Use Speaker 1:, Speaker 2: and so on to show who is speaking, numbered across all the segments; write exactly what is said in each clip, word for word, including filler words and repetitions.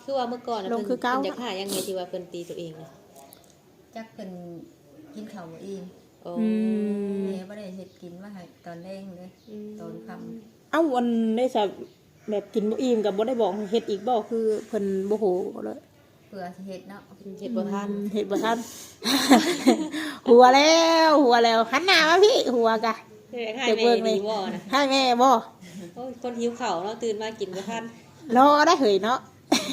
Speaker 1: คือว่าเมื่อก่อนน่ะ
Speaker 2: ลง
Speaker 1: เพิ่น
Speaker 2: คือเก่า
Speaker 1: เพิ่นอยากหายังไงที่ว่าเพิ่นตีตัวเองน่ะ
Speaker 3: จักเพิ่นกินข้าวบ่อิ่ม
Speaker 1: โอ้
Speaker 2: อืม
Speaker 3: แม่บ่ได้เฮ็ดกินมาให้ตอนแรงเลยตอนค่ำ
Speaker 2: เอ้าวันได้จะแบบกินบ่อิ่มกับบ่ได้บอกให้เฮ็ดอีกบ่คือเพิ่นบ่โหเลย
Speaker 3: เพื่อสิเฮ็ดเนาะ
Speaker 1: เฮ็ดบ่ทัน
Speaker 2: เฮ็ดบ่ทัน หัวแล้วหัวแล้วหันหน้ามาพี่หัวกะ
Speaker 1: เฮ็ดให้แม่ดีบ่น่ะ
Speaker 2: ให้แม่บ่
Speaker 1: โอ้ยคนหิวข้าวเนาะตื่นมากินบ่ทัน
Speaker 2: รอได้เหยเนาะ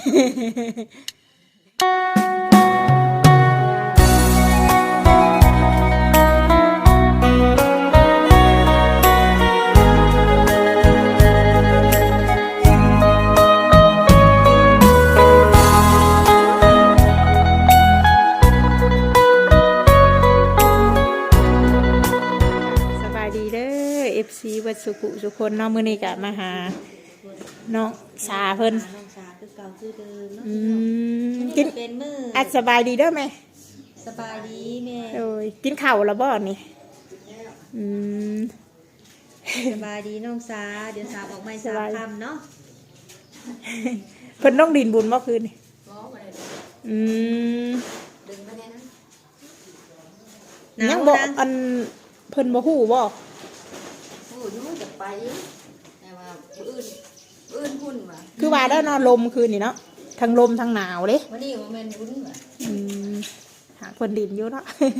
Speaker 2: สบายดีเด้อ เอฟ ซี วัดสุขุสุคนเนาะมื้อนี้ก็มาหาน้องสาเพิ่น
Speaker 1: น้องสาคือเก่าคือเดิมเนาะ
Speaker 2: อืม
Speaker 1: กิ
Speaker 2: กิ
Speaker 1: น
Speaker 2: น
Speaker 1: เป็นมื้อ
Speaker 2: อัดสบายดีเด้อแม่
Speaker 1: สบายดีแม่
Speaker 2: โอ้ยกินข้าวแล้วบ่นี่อืม
Speaker 1: สบายดีน้องสาเดี๋ยวสาออกไม้สา
Speaker 2: ส
Speaker 1: ม
Speaker 2: บาย
Speaker 1: คำเนาะ
Speaker 2: เพิ่นต้องดินบุญเมื่อคืนนี่
Speaker 3: บ่บ่ได้
Speaker 2: อืม
Speaker 3: ดึงมาแน่นะ
Speaker 1: หนาว
Speaker 2: ยังบอก
Speaker 1: นะ
Speaker 2: อันเพิ่นบ่ฮู้บ่
Speaker 3: โอ้ยจะไปแต่ว่าผู้อื่นผู้อื่นพุ่นว่ะ
Speaker 2: คือว่าได้วนอนลมคืนนี่เนาะทั้งลมทั้งหนาวเด้
Speaker 3: วันนี้บ่แม่นบุญว่ะ
Speaker 2: อืมหาเพิ่นดินอยู่เนาะ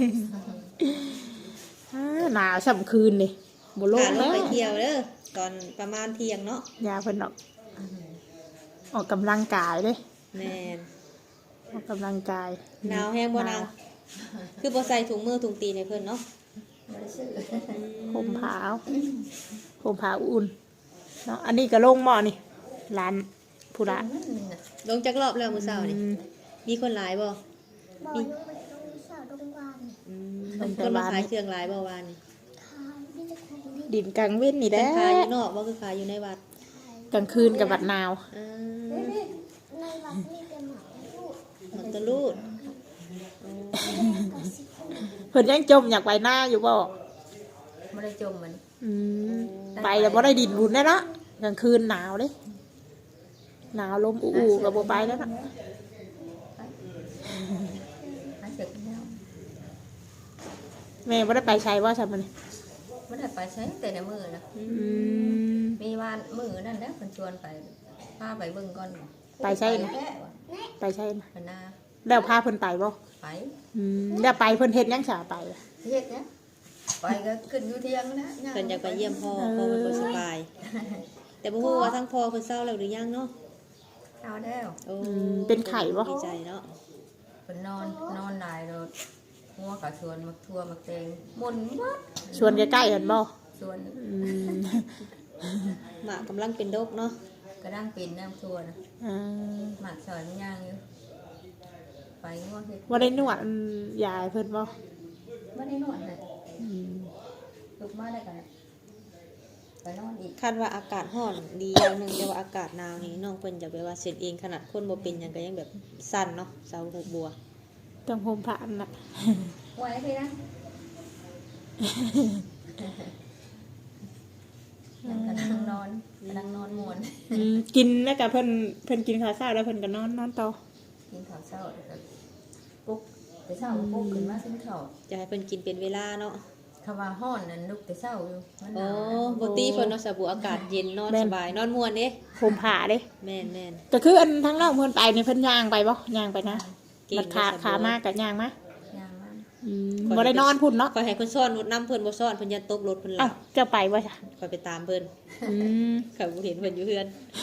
Speaker 2: อ่าหนาวส่ำคืนนี่บ่ลง
Speaker 1: พาล
Speaker 2: แล้
Speaker 1: ง
Speaker 2: ว
Speaker 1: ไปเที่ยวเด้อตอนประมาณเที่ยงเนาะ
Speaker 2: ยาเพิ่นออกออกกำลังกายเด้
Speaker 1: แม่น
Speaker 2: ออกกำลังกาย
Speaker 1: หนาวแห้งบ่นางคือบ่ใส่ถุงมือถุงตีนให้เพิ่นเนาะ
Speaker 3: บ่ได้ซื้อ
Speaker 2: ห่มผ้าเอาห่มผ้าอุ่นเนาะอันนี้ก็ลงหม้อนี่ร้านผู้ละ
Speaker 1: ลงจักรอบแล้วมื้อเช้านี่
Speaker 2: อืม
Speaker 1: มีคนหลายบ่
Speaker 4: บอกลูกมันต้องมีสาวตรงวาน
Speaker 1: อืม
Speaker 2: ลงแต่
Speaker 1: คนมา
Speaker 2: บ้าน
Speaker 1: ขายเครื่องหลายบ่วานนี่
Speaker 4: ทายนี่จะคงนี่
Speaker 2: ดินกลางเว้นนี่แห
Speaker 1: เป็
Speaker 2: ละ
Speaker 1: นขายอยู่นอกบ่คือขายอยู่ในวัด
Speaker 2: กลางคืนกับบัดหนาว
Speaker 1: อ่า
Speaker 4: ในวัดนี่เป็นหมาลูก
Speaker 1: มันตะลูด
Speaker 4: กับสิคง
Speaker 2: เพิ่นยังจมอยากไปหน้าอยู่บ่
Speaker 3: บ่ได้จมมัน
Speaker 2: อืมไปแล้วบ่ได้ดินบุญแน่เนาะกลางคืนหนาวเด้หนาวลมอู้ๆก็บ่ไปแล้วเนาะ
Speaker 3: หาเสร็จแล้ว
Speaker 2: แม่บ่ได้ไปใช้ว่าซั่นมัน
Speaker 3: บ่ได้ไปใช้แต่ในมือนะ
Speaker 2: อืม
Speaker 3: มีวานมือนั่นแหละเพิ่นชวนไปพาไปเบิ่งก่อน
Speaker 2: ไปใช่นะ
Speaker 3: แค่ว่ะ
Speaker 2: ไปใช่นะ
Speaker 3: เพิ่นน่ะ
Speaker 2: แล้วพาเพิ่นไปบ่
Speaker 3: ไป
Speaker 2: อืมแล้วไปเพิ่นเฮ็ดหยังฉาไป
Speaker 3: เฮ็ดนะไปก็ขึ้นอยู่เที่ยงนะ
Speaker 1: เพิ่นอยากไปเยี่ยมพ่อพ่อเพิ่นบ่สบาย แต่บ่ฮู้ว่าทั้งพ่อเพิ่นเศร้าแล้วหรือยังเนาะ
Speaker 3: เอาแล้ว
Speaker 1: โอ้
Speaker 2: เป็นไข้บ่
Speaker 1: ดีใจเนาะ
Speaker 3: เพิ่นนอนนอนได้แล้วงัวก็ชวนมักทั่วมักแตงหมุนหมด
Speaker 2: ชวนใกล้ๆกันบ่
Speaker 3: ชวน
Speaker 2: อืม
Speaker 1: หมากกำลังเป็นโรคเนาะ
Speaker 3: กระด้างเป็นน้ำทั่วนะ
Speaker 2: อ่า
Speaker 3: หมากสอยมันย่างอยู่ไปงัวเฮ็ด
Speaker 2: บ่ได้นวดยายเพิ่นบ่
Speaker 3: บ่ได้นวดให้
Speaker 2: อืม
Speaker 3: ลุกมาได้กันไปนอนอีก
Speaker 1: คาดว่าอากาศร้อนดีอย่างหนึงแต่ว่าอากาศหนาวนี่น้องเพิ่นจะแบบว่าเสร็จเองขนาดคนบ่เป็นหยังก็ยังแบบสั่นเนาะเสาหูบัว
Speaker 2: ต้องห่มผ้าอันน่ะ
Speaker 3: ไว้พี่นะนั่งกระดังนอนกระดังนอนมวน
Speaker 2: อืมกินแล้วก็เพิ่นเพิ่นกินข้าวเช้าแล้วเพิ่นก็นอนนอนต่อ
Speaker 3: กินข้าวเช้าแล้วก็ปลุ๊กแต่เช้าก็ปลุ๊กขึ้นมากินข้าว
Speaker 1: จะให้เพิ่นกินเป็นเวลาเนาะ
Speaker 3: คำว่าฮ้อนนั่นลุกแต่เช้าอยู่มันห
Speaker 1: โอ้
Speaker 3: นาวนะ
Speaker 1: บ่ตีเพิ่นเนาะสบู่อากาศเย็นนอนสบายนอนม่วนเด้
Speaker 2: ห่มผ้าเด้
Speaker 1: แม่นแม่น
Speaker 2: ก็คืออันทั้งน้องเพิ่นไปนี่เพิ่นย่างไปบ่ย่างไปนะ
Speaker 1: เก่ง
Speaker 2: บัดขา
Speaker 1: เด้อสบู่
Speaker 2: ขามากก็ย่างมา
Speaker 3: ย่างมัน
Speaker 2: อืมบ่ได้นอนพุ่นเนาะ
Speaker 1: คอยให้เพิ่นซ่อนรถน้ำเพิ่นบ่ซ่อนเพิ่นยันตกรถเพิ่นหลั
Speaker 2: เอ้า
Speaker 1: บ
Speaker 2: เจ้าไปบ่จ้ะ
Speaker 1: คอยไปตามเพิ่น
Speaker 2: อืม
Speaker 1: เขาบ่เห็นเพิ่นอยู่เฮือน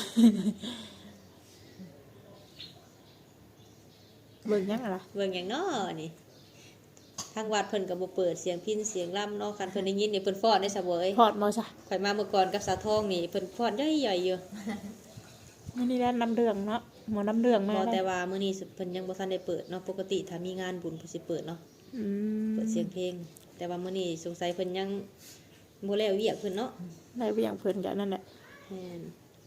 Speaker 2: เบิ่งยังล่ะ
Speaker 1: เบิ่งหยังน้อนี่ทางวัดเพิ่นก็บ่เปิดเสียงพิณเสียงล่ำเนาะคันเพิ่นได้ยินนี่เพิ่นฟ้อนได้ซะเว้ย
Speaker 2: พอดบ่จ้ะ
Speaker 1: ข่อยมาเมื่อก่อนกับสาวทองนี่เพิ่นฟ้อนใหญ่ๆอยู่
Speaker 2: มื้อนี้ได้น้ำเดืองเนาะหมอน้ำเดืองมา
Speaker 1: บ่
Speaker 2: ได้
Speaker 1: แต่ว่ามื้อนี้เพิ่นยังบ่ทันได้เปิดเนาะปกติถ้ามีงานบุญเพิ่นสิเปิดเนาะ
Speaker 2: อืม
Speaker 1: เปิดเสียงเพลง แต่ว่ามื้อนี้สงสัยเพิ่นยังบ่แล้วเวียกเพิ่นเนาะ
Speaker 2: ได้เวียงเพิ่นก็นั่นแหละ
Speaker 1: แม่น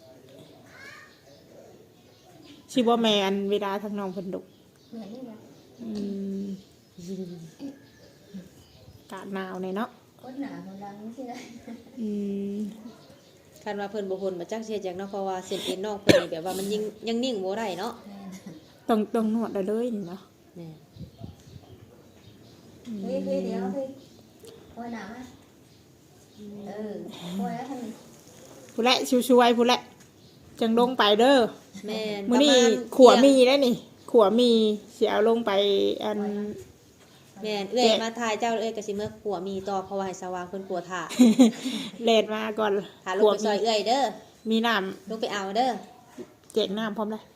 Speaker 2: สิบ่แม่อันเวลาทางน้องเพิ่นดุ
Speaker 3: เหมือนนี่แหละ
Speaker 2: อืมอากาศหนาวเนี่ยเนาะ
Speaker 3: คนหนาคนดังใช่ไหม
Speaker 2: อืม
Speaker 1: คันว่าเพิ่นบ่พ้นมาจักเสียจักเนาะเพราะว่าเส้นเอ็นนอกเพิ่นนี่แบบว่ามันยิ่งยังนิ่งบ่ได้เนาะ
Speaker 3: แม่น
Speaker 2: ต้องต้องนวดได้เลยนี่เนาะ
Speaker 1: แม่
Speaker 3: พี่พี่เดี๋ยวพี่โอ้ยหนาวอ่ะเออโอ้ยแล้วทำไม
Speaker 2: ผู้แหละช่วยๆผู้แหละจังลงไปเด้อ
Speaker 1: แม่น
Speaker 2: มื้อนี้
Speaker 1: ประาณ
Speaker 2: ขัวมีได้นี่ขัวมีสิเอาลงไปอัน
Speaker 1: แม่นเอ้อยมาทายเจ้าเอ้อยก็สิเมื่อขัวมีต่อเพราะว่าให้สว่างเพิ่นกลัวถ่า
Speaker 2: เลดมาก่อน
Speaker 1: ถ่าลงไปซอยเอ้อยเด้อ
Speaker 2: มีน้
Speaker 1: ลงไปเอาเด้อ
Speaker 2: ำแจกน้ำพร้อมเลย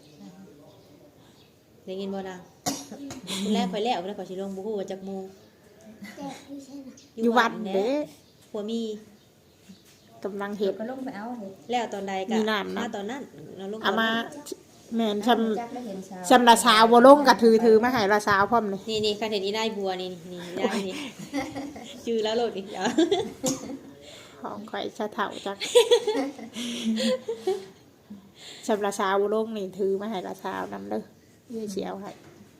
Speaker 1: ได้ยินบ่นางคนแรกข่อยแล้วแล้วข่อยสิลงบ่ฮู้ว่าจักโมง
Speaker 4: แจกที่ใช่ไหม
Speaker 2: อยู่วัดเด้
Speaker 1: ขัวมี
Speaker 2: กำลัง
Speaker 3: เห็
Speaker 2: เห็
Speaker 3: ด
Speaker 2: ด
Speaker 3: ก็ลงไปเอาเห็ด
Speaker 1: แล้วตอนใดก็
Speaker 2: มีน้ำนะ
Speaker 1: มาตอนนั้นเราลง
Speaker 2: เอามาแม่นช
Speaker 3: จักได้เห็นชาว
Speaker 2: ำชำละสาวบ่ลงกับถือถือมาให้ละสาวพร้อมเลย
Speaker 1: นี่นี่คันเห็นอีนายบัวนี่นี่นี่ได้นี่ ชื่อแล้วโลดอีกแล้ว
Speaker 2: ของข่อยชะเถ่าจักชำละสาวบ่ลงนี่ถือมาให้ละสาวนำเด้อเยี่ยเสียวให้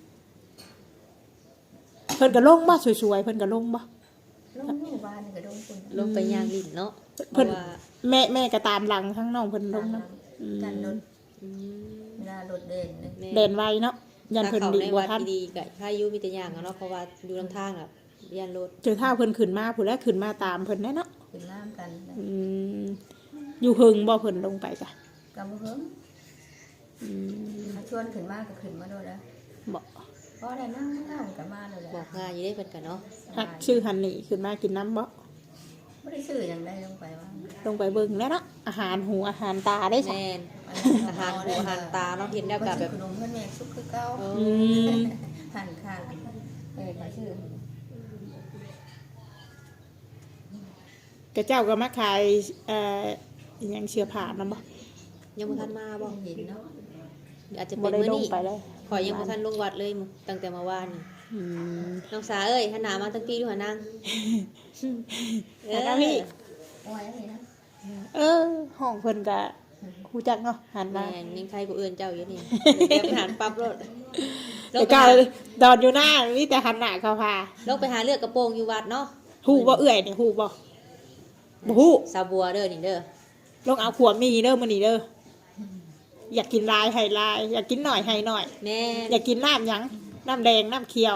Speaker 2: เพิ่นก็ลงบ่สวยๆเพิ่นก็ลงบ่
Speaker 3: ลงอยู่บ้านนี่ก็ลงคน
Speaker 1: ลงไปย่างลิ้นเนาะเพ
Speaker 2: เพิ่น
Speaker 1: ราะว่า
Speaker 2: แม่แม่ก็ตามหลังทั้งน้องเพิ่นลงเนาะอืม
Speaker 3: กันรถ
Speaker 1: อืม
Speaker 3: เวลารถเด่นเลย
Speaker 1: แม่
Speaker 2: เด่นไวเนาะยัน
Speaker 1: ถ้า
Speaker 2: เพิ่น
Speaker 1: เขา
Speaker 2: ดี
Speaker 1: ใน
Speaker 2: ก
Speaker 1: วั
Speaker 2: ว่า
Speaker 1: ด
Speaker 2: ท่าน
Speaker 1: ดีๆก็ถ้าอยู่มีแต่ย่างอะเนาะเพราะว่าอยู่ลำทางอ่ะย่านรถ
Speaker 2: เจอท่าเพิ่นขึ้นมาผู้แรกขึ้นมาตามเพิ่นแน่เนาะ
Speaker 3: ขึ้นน้ำกัน
Speaker 2: อืมอยู่หึงบ่เพิ่นลงไปจ้ะ
Speaker 3: กำมือเพิ่ม
Speaker 2: อืม
Speaker 3: ถ้าชวนขึ้นมาก็ขึ้นมาด้วยนะ
Speaker 2: บ่
Speaker 3: เพราะได้นั่งนั่งกันมาเลยแหละ
Speaker 1: บอกง่ายอยู่ได้เพิ่นกันเนาะ
Speaker 2: ฮักชื่อฮันนี่ขึ้นมากินน้ำบ่
Speaker 3: ไม่ได้ซื้ออย่างได้ลงไปว่า
Speaker 2: ลงไปเบิ่งแล้วเนาะอาหารหูอาหารตาได้จ้ะ
Speaker 1: แม่นอาหารหูอาหารตาเนาะเห็นแล้วก็แบบ
Speaker 3: ขนมเพื่อนแม่ซุปคือเก้า
Speaker 1: เอ
Speaker 2: อื
Speaker 1: อ
Speaker 2: ม
Speaker 3: หั่นข้างเออขายชื่อก
Speaker 2: ระเจ้าก็มาขายเอ่ออิหยังเสื้อผ้านำบ่
Speaker 1: ยังบ่ทันมาบ่
Speaker 3: เห็นเนาะ
Speaker 1: อาจจะ
Speaker 2: บ่
Speaker 1: เป็น
Speaker 2: ได้
Speaker 1: มื้อ
Speaker 2: ลง
Speaker 1: นี้
Speaker 2: ไปเลย
Speaker 1: ข่อยยังบ่ทันลงวัดเลยตั้งแต่เมื่อวานนี่
Speaker 2: อืม
Speaker 1: น้องสาเอ้ยหันหน้ามาตั้งปีดูหานาง
Speaker 2: แล้วพี่
Speaker 3: โอ้ยนี่นะ
Speaker 2: เออห้องเพิ่นก็ฮู้จักเนาะหันมา
Speaker 1: แม่นยังใครกูเอื้อนเจ้าอยู่นี่เดี๋ยวไปหาปั๊บรถลง
Speaker 2: แต่
Speaker 1: ไป
Speaker 2: ก็
Speaker 1: หา
Speaker 2: ดอนอยู่หน้ามีแต่หันหน้าเข้าพา
Speaker 1: ลงไปหาเลือกกระโปรงอยู่วัดเนาะ
Speaker 2: ฮู้บ่เอื้อยนี่ฮู้บ่บ่ฮู้
Speaker 1: สาวบัวเด้อนี่เด้อ
Speaker 2: ลงเอาขวดมีเด้อมื้อนี้เด้ออยากกินลายให้ลาย อยากกินหน่อยให้หน่อย
Speaker 1: แม่น
Speaker 2: อยากกินน้ำหยังน้ำแดงน้ำเขียว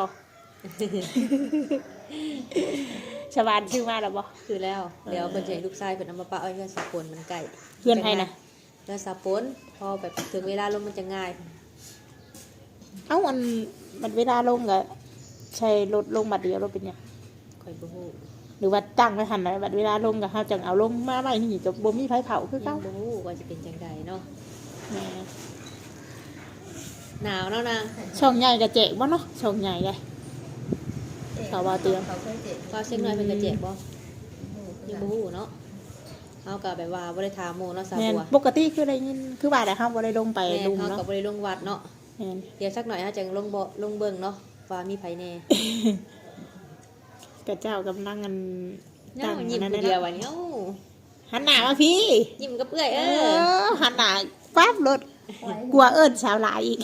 Speaker 2: ชาวบ้านชื่อมาแล้วบ่
Speaker 1: คือแล้วเดี๋ยวเพิ่นจะให้ลูกชายเพิ่นเอามาปะเอาไว้เพื่อนสาปนมันไก่
Speaker 2: เพื่อนใครนะ
Speaker 1: เพื่อนสาปนพอแบบถึงเวลาลงมันจะง่าย
Speaker 2: เอ้ามันมันเวลาลงก็ใช้รถลงบัดเดียวรถเป็นหยัง
Speaker 1: ข่อยบ่ฮู้
Speaker 2: หรือว่าตั้งไว้หันไหนบัดเวลาลงก็เฮาจังเอาลงมาไว้นี่ก็บ่มีไผเผาคือ
Speaker 1: ยั
Speaker 2: เก่าง
Speaker 1: บ่ฮู้ว่าจะเป็นจังใดเนาะ
Speaker 2: แหม
Speaker 1: หนาวเนาะนาง
Speaker 2: ช่องใหญ่ก็แจกบ่เนาะช่องใหญ่เลย เขาว่าเตือน
Speaker 3: เขาเคยเจ็บ
Speaker 1: พอเช็คหน่อยเพิ่นก็เจ็บบ่ยังบ่ฮู้เนาะเฮาก็แบบว่าบ่ได้ถามหมู่เนาะสาว
Speaker 2: แม่น
Speaker 1: บัว
Speaker 2: ปกติคือได้ยินคือว่าแต่เฮาบ่ได้ลงไป
Speaker 1: แม่
Speaker 2: ลุม
Speaker 1: เฮา
Speaker 2: เนาะ
Speaker 1: ก็บ่ได้ลงวัดเนาะ
Speaker 2: แม่น
Speaker 1: เดี๋ยวสักหน่อยเฮาจะลงบ่ลงเบิ่งเนาะว่ามีไผแน่
Speaker 2: กระเจ้ากำลังกัน
Speaker 1: เนาะ
Speaker 2: ตั้ง
Speaker 1: ยิ้ม
Speaker 2: อัน
Speaker 1: ผู้
Speaker 2: นั้น
Speaker 1: เดียว
Speaker 2: เนาะ
Speaker 1: วันนี้เอ้า
Speaker 2: หันหน้ามาพี่
Speaker 1: ยิ้มกับเอื้อย
Speaker 2: เอ
Speaker 1: เออ
Speaker 2: อหันหน้าปั๊บรถกลัวเอิ้นสาวหลายอีก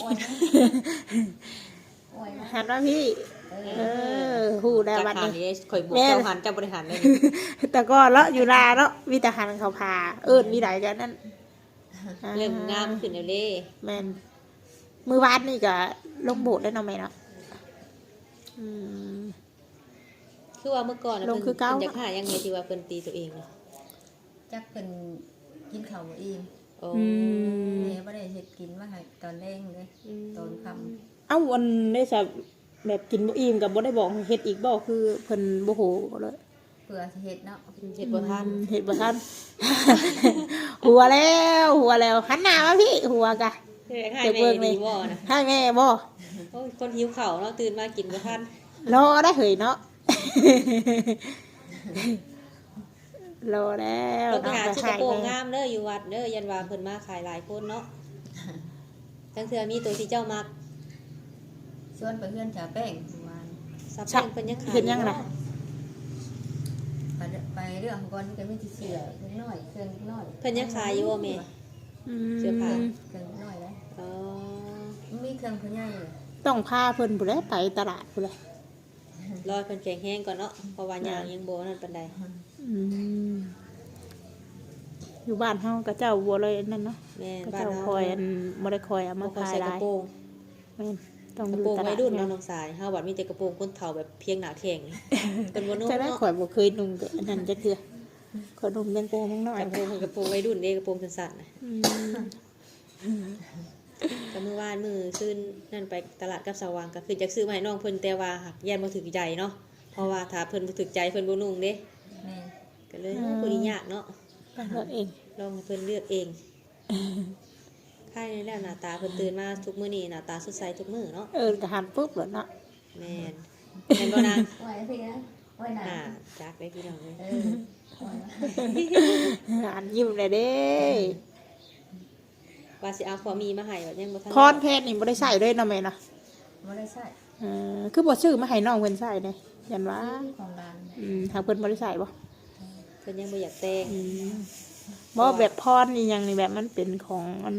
Speaker 3: โอ้ยนะ
Speaker 2: หันมาพี่ เออฮู้ได้
Speaker 1: จาก
Speaker 2: วัน
Speaker 1: หา
Speaker 2: นี้
Speaker 1: นี้ข่อยบวก
Speaker 2: แม่
Speaker 1: เจ้าหันเจ้าบริหารเลย
Speaker 2: แต่ก็เลาะอยู่ลาเนาะมีแต่หันเขาพา เอิ้นมีหลายกันนั่น
Speaker 1: เริ่มงามขึ้นแล้วเด้
Speaker 2: แม่นมือวานนี่ก็ลงโบสถ์ได้เนาะแม่เนาะอืม
Speaker 1: คือว่าเมื่อก่อนน่ะ
Speaker 2: ลง
Speaker 1: เพิ่น
Speaker 2: คือเก่า
Speaker 1: เพิ่นอยากหายังไงที่ว่าเพิ่นตีตัวเองน่ะ
Speaker 3: จักเป็นกินข้าวบ่อิ่ม
Speaker 1: โอ้
Speaker 2: อืม
Speaker 3: แม่บ่ได้เฮ็ดกินมาให้ตอนแรงเลยตอนค่ำ
Speaker 2: เอ้าวันได้จะแบบกินบ่อิ่มกับบ่ได้บอกให้เฮ็ดอีกบ่คือเพิ่นบ่ฮู้เลย
Speaker 3: เพื่อสิเฮ็ดเนาะ
Speaker 1: เฮ็ดบ่ทัน
Speaker 2: อืมเฮ็ดบ่ทัน หัวแล้วหัวแล้วหันหน้ามาพี่หัวกะ
Speaker 1: เฮ็ดให้
Speaker 2: เดี๋ยว
Speaker 1: แม่
Speaker 2: เบิ่งเลย
Speaker 1: ดีบ่นะ
Speaker 2: ให้แม่บ่
Speaker 1: โอ้ยคนหิวข้าวเนาะตื่นมากินบ่ทัน
Speaker 2: รอได้เหยเนาะ รอแล้ว
Speaker 1: ลงไปหา
Speaker 2: น้อง
Speaker 1: ชุด
Speaker 2: ก็
Speaker 1: กระโปรง
Speaker 2: ให้
Speaker 1: งามเด้ออยู่วัดเด้อยันว่าเพิ่นมาขายหลายคนเนาะจังเทื่อมีตัวที่เจ้ามัก
Speaker 3: ชวนไปเพื่อนจ่าแป้งเมื่อวาน
Speaker 1: ซับแป้งเพิ่นยังขาย
Speaker 2: เห็นยังน่ะ
Speaker 3: ไปไปเรื่องก่อนก็มีที่เสือเครื่องน้อยเครื่องน้อย
Speaker 1: เพิ่นยังขายอยู่บ่แม่
Speaker 2: อืม
Speaker 1: เสื้อผ้า
Speaker 3: เครื่องน้อยแล้ว
Speaker 1: อ๋อ
Speaker 3: มีเครื่องผู้ใหญ่เลย
Speaker 2: ต้องพาเพิ่นผู้ใดไปตลาดผู้ใด
Speaker 1: รอเพิ่นแข็งแห้งก่อนเนาะเพราะว่าย่างยังบ่นั่นปานใด
Speaker 2: อืมอยู่บ้านเฮาก็เจ้าบัวเลยนั่นเนาะ
Speaker 1: แม่น
Speaker 2: ก็
Speaker 1: บ้าน
Speaker 2: เจ้า
Speaker 1: เฮา
Speaker 2: คอยอันบ่ได้คอยเอา
Speaker 1: บ่
Speaker 2: มา
Speaker 1: ค่อย
Speaker 2: ขาย
Speaker 1: ใส่
Speaker 2: ห
Speaker 1: กระ
Speaker 2: ลาย
Speaker 1: โปรง
Speaker 2: ม่นต้อง
Speaker 1: กระ
Speaker 2: ดู
Speaker 1: โปรง
Speaker 2: ตลา
Speaker 1: วั
Speaker 2: ด
Speaker 1: ยรุ่น
Speaker 2: แม่
Speaker 1: เนาะน้องสายเฮาบัดมีแต่กระโปรงคนเฒ่าแบบเพียงหน้าแข้งนี่เป็นบ่นุ่ม
Speaker 2: จะได้
Speaker 1: เนาะ
Speaker 2: ข่อยบ่เคยนุ่งก็อันนั้นจักเทื่อข่อยนุ่งเป็นโปรงน้อย
Speaker 1: กระโปรงกระโปรงวัยรุ่นเด้กระโปรงสั้นๆน่ะ
Speaker 2: อืม
Speaker 1: ก็มื้อวานมื้อซื้อนั่นไปตลาดกับสว่างก็คือจักซื้อมาให้น้องเพิ่นแต่ว่าหักยันบ่ถึกใจเนาะเพราะว่าถ้าเพิ่นบ่ถึกใจเพิ่นบ่นุ่งเด้
Speaker 3: แม่
Speaker 1: ก็เลยโอ้บ่ได้ยากเนาะ
Speaker 2: ต้องเลือกเอง
Speaker 1: ลองให้เพิ่นเลือกเองค่ายนี้แล้วหน้าตาเพิ่นตื่นมาทุกมื้อนี้หน้าตาสดใสทุกมื้อเนาะ
Speaker 2: เออก็หันปุ๊บแล้วเนาะ
Speaker 1: แม่นแม่นบ่นาง
Speaker 3: ไหวพี่นะไหวหนา
Speaker 1: อ่าจักได้พี่น้องเลย
Speaker 3: เออไหว
Speaker 2: หันยิ้มเลยเด้
Speaker 1: ว่าสิเอาขอมีมาให้แบบยังบ่ทัน
Speaker 2: พรเพชรนี่บ่ได้ใส่ด้วยเนาะแม่เนาะ
Speaker 3: ไม่ได้ใช่
Speaker 2: เออคือบ่ซื้อมาให้น้องเพิ่นใส่เด้ยันว่า
Speaker 3: ของร้าน
Speaker 2: อืมทางเพิ่นบ่ได้ใส่บ่
Speaker 1: เพิ่นยังบ่อยากแต่ง
Speaker 2: อืมบ่แบบพรนี่ยังนี่แบบมันเป็นของอัน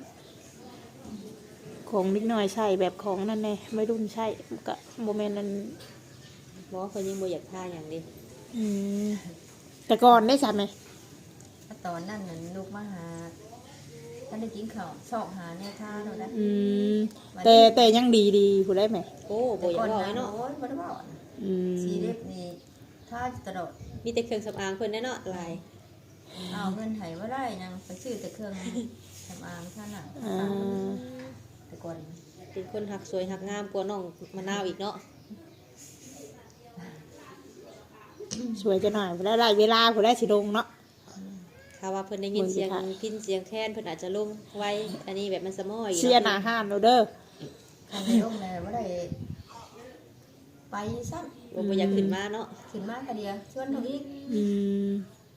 Speaker 2: ของนิดหน่อยใช่แบบของนั่นแน่ไม่รุ่นใช่ก็บ่แม่นนั่น
Speaker 1: บ่เพิ่นยังบ่อยากท่าหยังเดิ
Speaker 2: อืมแต่ก่อนได้ใช่ไหม
Speaker 3: ตอนนั้นน่ะลูกมาหาท่านได้กินข้าวชอบหาแน่ท่าเราได้
Speaker 2: อืมแต่แต่ยังดีดีผู้ได้ไหม
Speaker 1: โอ้บ่อยากเว้าเลยเนาะ
Speaker 3: โอ้ยบ่ได้บอก
Speaker 2: อืม
Speaker 3: สีเล็บนี่ท่าตลอด
Speaker 1: มีแต่เครื่องสำอางเพิ่นแน่เนาะหลาย
Speaker 3: เอาเงินไถว่าได้ยังไปซื้อแต่เครื่องสำอางท่านน่ะ
Speaker 2: อ่า
Speaker 3: แต่ก่อน
Speaker 1: เป็นคนหักสวยหักงามกว่าน้องมะนาวอีกเนาะ
Speaker 2: สวยจะหน่อยผู้ได้ได้เวลาผู้ได้สิลงเนาะ
Speaker 1: ถ้าว่าเพิ่นได้ยินเสียงพินเสียงแค้นเพิ่นอาจจะลงไว้อันนี้แบบมันสะม้อย
Speaker 2: เชียร์หน้าห้านเราเด้อ
Speaker 3: ทางในร่มเลยว่าได้ไปซ้
Speaker 1: บ่บ่อยากขึ้นมาเนาะ
Speaker 3: ำขึ้นมากกะเดียวชวนเขาอีก
Speaker 2: อืม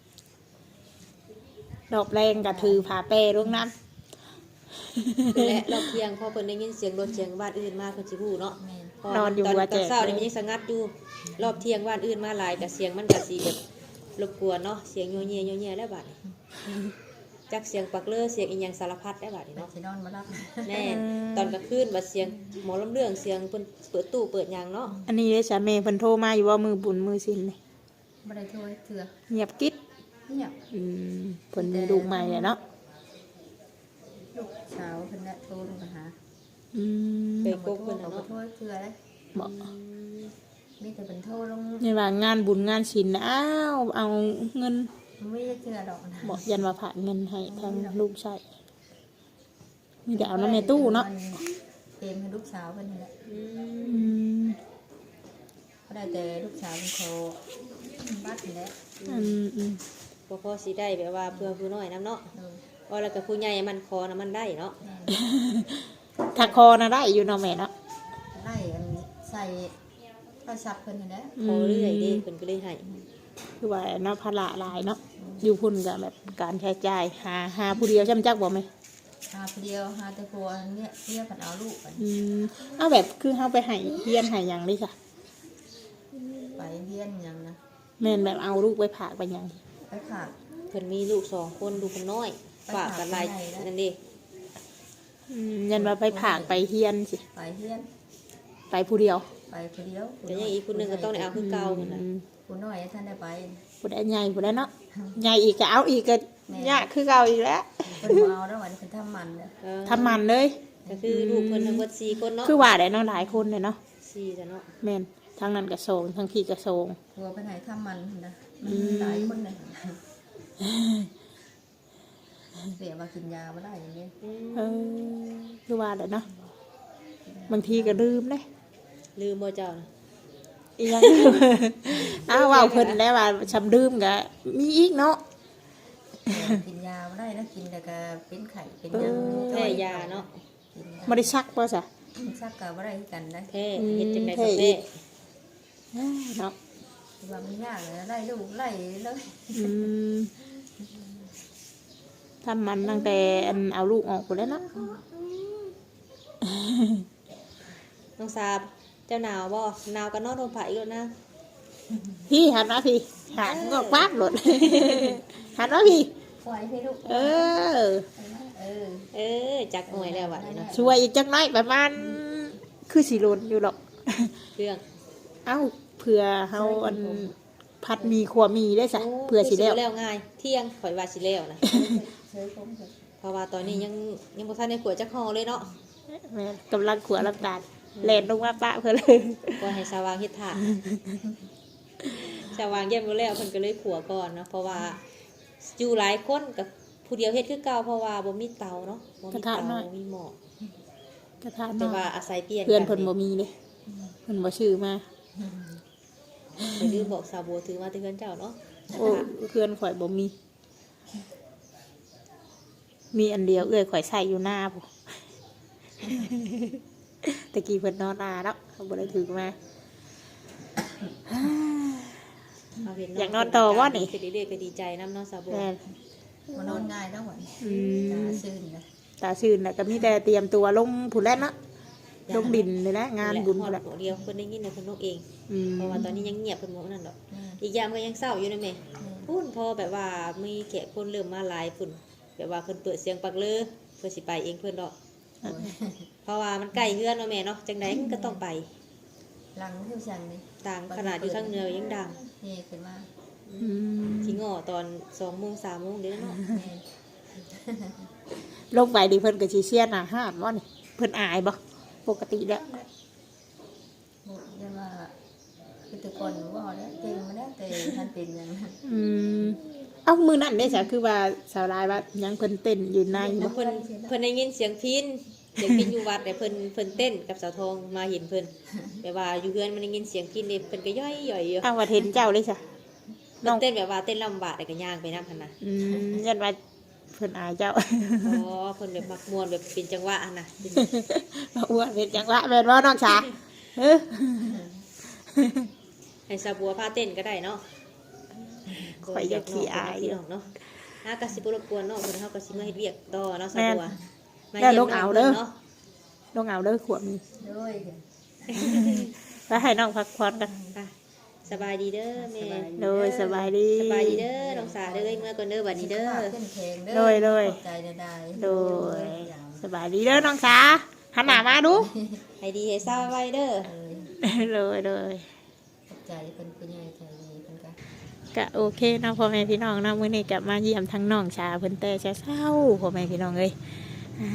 Speaker 2: ดอกแรงกับถือผาแปรลงน้
Speaker 1: และรอบเที่ยงพอเพิ่นได้ยินเสียงรถเสียงบ้านอื่นมาเพิ่นสิฮู้เนาะ
Speaker 3: แม่น
Speaker 1: พตอนตอนเช้านี่มันยังสงัดอยู่รอบเที่ยงบ้านอื่นมาหลายกับเสียงมันก็สิแบบรบกวนเนาะเสียงโยเยโยเยแล้วบัดนี้จักเสียงปักเลอเสียงอีหยังสารพัดแล้วบัดนี้
Speaker 3: เป็น
Speaker 1: เนาะ
Speaker 3: สินอนมารับ
Speaker 1: แน่ตอนกลางคืนบัดเสียงหมอลำเรื่องเสียงเพิ่นเปิดตู้เปิดหยังเนาะ
Speaker 2: ำอันนี้ได้สามีเพิ่นโทรมาอยู่ว่ามือบุญมือสินนี่
Speaker 3: ไม่ได้ถ้วยเถื่อ
Speaker 2: เงียบกิ๊ด
Speaker 3: เงียบ
Speaker 2: อืมเพิ่นมีลูกใหม่อะเนาะ
Speaker 3: ลูกสาวเพิ่นน่ะโทรลงมาหา
Speaker 2: อืม
Speaker 1: เคย
Speaker 3: เอา
Speaker 1: โกก
Speaker 3: โทร
Speaker 1: เพิ่น
Speaker 3: เอา
Speaker 1: น่ะเนาะ
Speaker 3: โทรเถื่อเลย
Speaker 2: บอก
Speaker 3: มีแต่เป็นโทรลง
Speaker 2: นี่ว่างานบุญงานศิลป์นะอ้าวเอาเงิน
Speaker 3: ไม่ได้เถื่อดอกนะ
Speaker 2: บอกยันว่าผ่านเงินให้ทางลูกใช่มีแต่เอาน้ำในตู้เนาะ
Speaker 3: เต็มให้ลูกสาวเพิ่นนี่แหละ
Speaker 1: อืม
Speaker 2: อืม
Speaker 3: ก็ได้แต่ลูกสาวเป็นโคบัดนี่แหละ
Speaker 2: อืมอืม
Speaker 1: บ่พอสิได้แบบว่าเพื่อผู้น้อยนํเนาะ
Speaker 3: เออ
Speaker 1: ว่าแล้วก็ผู้ใหญ่มันคอน่ะมันได้เนาะ
Speaker 3: แม่น
Speaker 2: ถ้าคอนะได้อยู่เนาะแม่เนาะ
Speaker 3: ไล่อันใส่โทรศัพท์เพิ่นนี่แหละ
Speaker 1: คอเรื่อยเด้เพิ่นก็เลยให้
Speaker 2: คือว่าเนาะภาระหลายเนาะอยู่พุ่นกับแบบการใช้จ่ายหาหาผู้เดียวใช่ไหมจักบอกไหม
Speaker 3: หาผู้เดียวหาแต่ผัวเนี่ยเรียกกันเอาลูกกัน
Speaker 2: อืมเอาแบบคือเฮาไปให้เฮียนให้หยังดิจ้ะ
Speaker 3: ไปเรียนหยังนะ
Speaker 2: แม่นแบบเอาลูกไปผากไปหยัง
Speaker 3: ไปขาด
Speaker 1: เพิ่นมีลูกสองคนลูกคนน้อยฝากกันหลายนั่นเด้
Speaker 2: อืมยันว่าไปผากไปเฮียนสิ
Speaker 3: ไปเรียน
Speaker 2: ไปผู้เดียว
Speaker 3: ไปผู้เดียว
Speaker 1: แต่ยังอีกคนหนึงก็ต้องได้เอาคือเก่าเหมือนน่ะ
Speaker 2: อืม
Speaker 3: ผู้น้อยท่านได้ไป
Speaker 2: ผู้ใดใหญ่ผู้ใดเนาะใหญ่อีกก็เอาอีกก็ยากคือเก่าอีกแล้ว
Speaker 3: เพิ่นบ่เอาแล้ววันนี้เพิ่นทำมันเนี่ย
Speaker 1: เออ
Speaker 2: ทำมันเลย
Speaker 1: ก็คือลูกเพิ่นทั้งหมดสี่คนเนาะ
Speaker 2: คือว่าได้เนาะหลายคนเลยเนาะ
Speaker 1: สี่จ้ะเนาะ
Speaker 2: แม่นทางนั้นกระโซงทางพี่กระโซง
Speaker 3: ผัวเพิ่นให้ทำมันนะ
Speaker 2: อืม
Speaker 3: หลายคนเลยเสียมากินยาบ่ได้อย่างนี้
Speaker 1: อืม
Speaker 2: เออคือว่าได้เนาะบางทีก็ลืมเลย
Speaker 1: ลืมบ่เจ้าน่ะ
Speaker 2: อีหยัง อ้าวว่าเพิ่นได้ว่าชำลืมก็มีอีกเนาะ
Speaker 3: กินยาบ่ได้นะกินแต่ก็เป็นไข้เป็น
Speaker 2: เอ
Speaker 3: หยัง
Speaker 2: อ
Speaker 1: แพ้ยาเนาะ
Speaker 3: กินยา
Speaker 2: บ่ได้ซักบ่ซะ
Speaker 3: ซักก็บ่ได้คือกันได้
Speaker 1: แพ้
Speaker 2: อืม
Speaker 1: เฮ็ดจังได๋
Speaker 2: แพ้
Speaker 1: ก็
Speaker 2: อี
Speaker 1: แพ้
Speaker 2: ก เนาะ
Speaker 3: ว่ามันยากเลยไล่ลูกไล่เลย
Speaker 2: อืมทำมันตั้งแต่อันเอาลูกออกไปแล้วเนาะ
Speaker 1: น้องสาบเจ้าหนาวบ่หนาวก็นอนโดนผ้าอีกแล้วนะ
Speaker 2: พี่หันมาพี่หันก็คว้าหลด หันมาพี่
Speaker 3: ปล่อยให้ลูก
Speaker 2: เออ
Speaker 3: เออ
Speaker 1: เออจักหน่วยแล้วบัดนี้เนาะ
Speaker 2: ช่วยอีกจักหน้อยประมาณคือสีโลนอยู่หรอก
Speaker 1: เรื่อง
Speaker 2: เอ้าเผื่อเฮาอันพัดมีขัวมีได้สะเผื่อสิแล้ว
Speaker 1: แล้วง่าย เที่ยงข่อยว่าสิแล้วนะ
Speaker 3: เฉยผมเถอะ
Speaker 1: เพราะว่าตอนนี้ยังยังบ่ทันได้ขวดจักห่อเลยเนาะ
Speaker 2: แม่กำลังขัวลำตาลเล่นลงมาปะเพื่อเลย
Speaker 1: ก็ให้สว่างเฮ็ดถาสว่างเยี่ยมบ่แล้วเพิ่นก็เลยขัวก่อนเนาะเพราะว่าอยู่หลายคนกับผู้เดียวเฮ็ดคือเก่าเพราะว่าบ่มีเตาเนาะบ่มีเตาบ่มีหม้อก
Speaker 2: ระทะ
Speaker 1: แต่
Speaker 2: น้อ
Speaker 1: ว่าย อาศัยเปลี่ยน
Speaker 2: เพื่อนเพิ่นบ่มีเลยเพิ่นบ่ชื่อมา
Speaker 1: ไปลืมบอกสาวบัวถือมาที่เพิ่นเจ้าเนาะ
Speaker 2: โอ้เพื่อนข่อยบ่มี มีอันเดียวเอื้อยข่อยใส่อยู่หน้าพุ่น ตะกี้เพิ่นนอนนาแล้วเขาบ่ได้ถือมา
Speaker 1: เอาเห็
Speaker 2: อยากนอนต่อวะนี่
Speaker 1: คือเรื่อยๆก็ดีใจนำเนาะสาวบัว
Speaker 2: แม่น
Speaker 3: มานอนง่ายแล้วหวัน
Speaker 2: อืม
Speaker 3: ตาซื่นนะ
Speaker 2: ตาชื่นน่ะก็มีแต่เตรียมตัวลงผู้แล่นเนาะลงดินเลยนะงานบุญ
Speaker 1: พุ่
Speaker 2: พุ่น
Speaker 1: น
Speaker 2: แหละ
Speaker 1: เดียวเพิ่นได้ยินแต่เพิ่นนกเอง
Speaker 2: อืม
Speaker 1: เพราะว่าตอนนี้ยังเงียบเพิ่นบ่นั่นดอก
Speaker 3: แม่
Speaker 1: อีกอย่างก็ยังเศร้าอยู่นะแม่พุ่นพอแบบว่ามีแขกคนเริ่มมาหลายพุ่นแบบว่าเพิ่นเปิดเสียงปักเลอเพิ่นสิไปเองเพิ่นดอก
Speaker 3: โอ้ย
Speaker 1: เพราะว่ามันใกล้เฮือนเนาะแม่เนาะจังไดมันก็ต้องไป
Speaker 3: หลังที่สั่งนี่
Speaker 1: ต่างขนาดอยู่ทางเหนือยังดัง
Speaker 3: นี่ขึ้นมา
Speaker 2: อืม
Speaker 1: สิง้อตอนสองโมงสามโมงเด้อเนาะ
Speaker 3: แม่
Speaker 2: ลงไปดิเพิ่นก็สิเชียร์อาหารบ่นี่เพิ่นอายบ่ปกติแล้ว
Speaker 3: บอกยังว่าคือแตะก่อนว่าแล้วเก่งมาแล้วแต่ท่านเป็นอย่างนั้น
Speaker 2: อืมเอ้ามื้อนั้นได้ซะคือว่าสาวลายว่ายังเพิ่นเต้นอยู่ในบ่
Speaker 1: เพิ่นเพิ่นได้ยินเสียงพินเสียงพินอยู่วัดแต่เพิ่นเพิ่นเต้นกับสาวทองมาเห็นเพิ่นแบบว่าอยู่เฮือนมันได้ยินเสียงพินนี่เพิ่นก็ย่อยๆอยู่
Speaker 2: อ้าวว่าเห็นเจ้าเลยซะ
Speaker 1: เพิ่นเต้นแบบว่าเต้นลำบากแต่ก็ย่างไปนำหั่นน่ะ
Speaker 2: อืมยันว่าเพิ่นอายเจ้า
Speaker 1: อ๋อเพิ่นแบบมักม่วนแบบเป็นจังหวะหั่นน่ะ
Speaker 2: อ้วนเป็นจังหวะแม่นบ่น้องชาเออ
Speaker 1: ให้สาวบัวพาเต้นก็ได้เนาะ
Speaker 2: ข่อยอยากขี้อาย
Speaker 1: พี่น้องเนาะหากะสิบ่รบกวนเนาะเพิ่นเฮาก็สิมาเฮ็ดเวียกต่อเนาะสาว
Speaker 2: แม่น
Speaker 1: บัวมา
Speaker 2: แล้ว
Speaker 1: เยี่ย
Speaker 2: ลู
Speaker 1: ม
Speaker 2: ก
Speaker 1: น้
Speaker 2: เอา
Speaker 1: อง
Speaker 2: เด้
Speaker 1: เพิ่
Speaker 2: อ
Speaker 1: นเนาะ
Speaker 2: ลงเอาเด้อขวบมี
Speaker 3: ด้วย
Speaker 2: แล้วให้น้องพักผ่อนกัน
Speaker 1: ค่ะสบายดีเด้อแม่
Speaker 2: โดยสบายดี
Speaker 1: สบายดีเด้อน้องสาเด้อเมื่อก่อนเด้อบัดนี้เด้อ
Speaker 3: ขึ้นแข็งเด้อ
Speaker 2: โดยโดย
Speaker 3: ขอบใจได้
Speaker 2: โดยสบายดีเด้อน้องสาหันหน้ามาดู
Speaker 1: ให้ดีให้เศร้าไว้เด้อ
Speaker 3: เอ้ย
Speaker 2: เลยเลย
Speaker 3: ขอบใจเพิ่นผู้ใหญ่ใจดีเพิ่นก็
Speaker 2: ก็โอเคเนาะพ่อแม่พี่น้องเนาะมื้อนี้กลับมาเยี่ยมทั้งน้องชาเพิ่นแต่เช้าๆพ่อแม่พี่น้องเอ้ยอ่า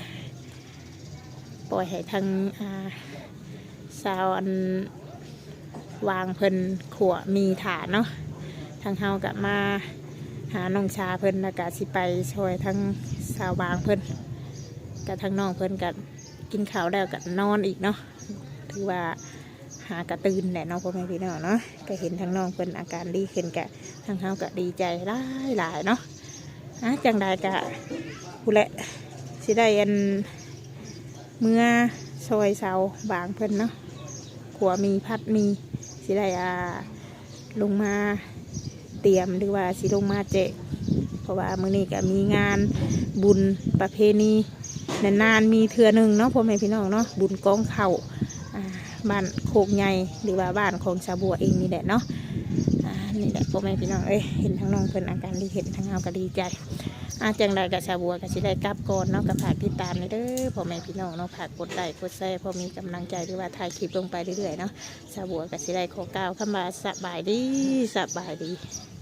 Speaker 2: ปล่อยให้ทั้งอ่าสาวอันวางเพิ่นขัวมีฐานเนาะทางเฮากลับมาหาน้องชาเพิ่นแล้วก็สิไปช่วยทั้งสาววางเพิ่นกับทั้งน้องเพิ่นกับกินข้าวแล้วกับนอนอีกเนาะถือว่าหากระตื่นแหละเนาะพ่อแม่พี่น้องเนาะก็เห็นทั้งน้องเพิ่นอาการดีขึ้นกะทางเฮาก็ดีใจหลายหลายๆเนาะอ่ะจังใดกะผู้แหละสิได้อันเมื่อซอยเสาบางเพิ่นเนาะขัวมีพัดมีสิได้อ่าลงมาเตรียมหรือว่าสิลงมาเจกเพราะว่ามื้อนี้ก็มีงานบุญประเพณีนานๆมีเทื่อหนึ่งเนาะพ่อแม่พี่น้องเนาะบุญกองเข่าอ่าบ้านโคกใหญ่หรือว่าบ้านของชาวบัวเองนี่แหละเนาะอ่านี่แหละพ่อแม่พี่น้องเอ้ยเห็นทั้งน้องเพิ่นอาการดีเห็นทั้งเฮาก็ดีใจอาจังใดกับชาวบัวก็สิได้กลับก่อนเนาะกับฝากติดตามเลยเด้อพ่อแม่พี่น้องเนาะฝากกดไลค์กดแชร์พอมีกำลังใจหรือว่าถ่ายคลิปลงไปเรื่อยๆเนาะชาวบัวก็สิได้ขอกล่าวคำว่าสบายดีสบายดี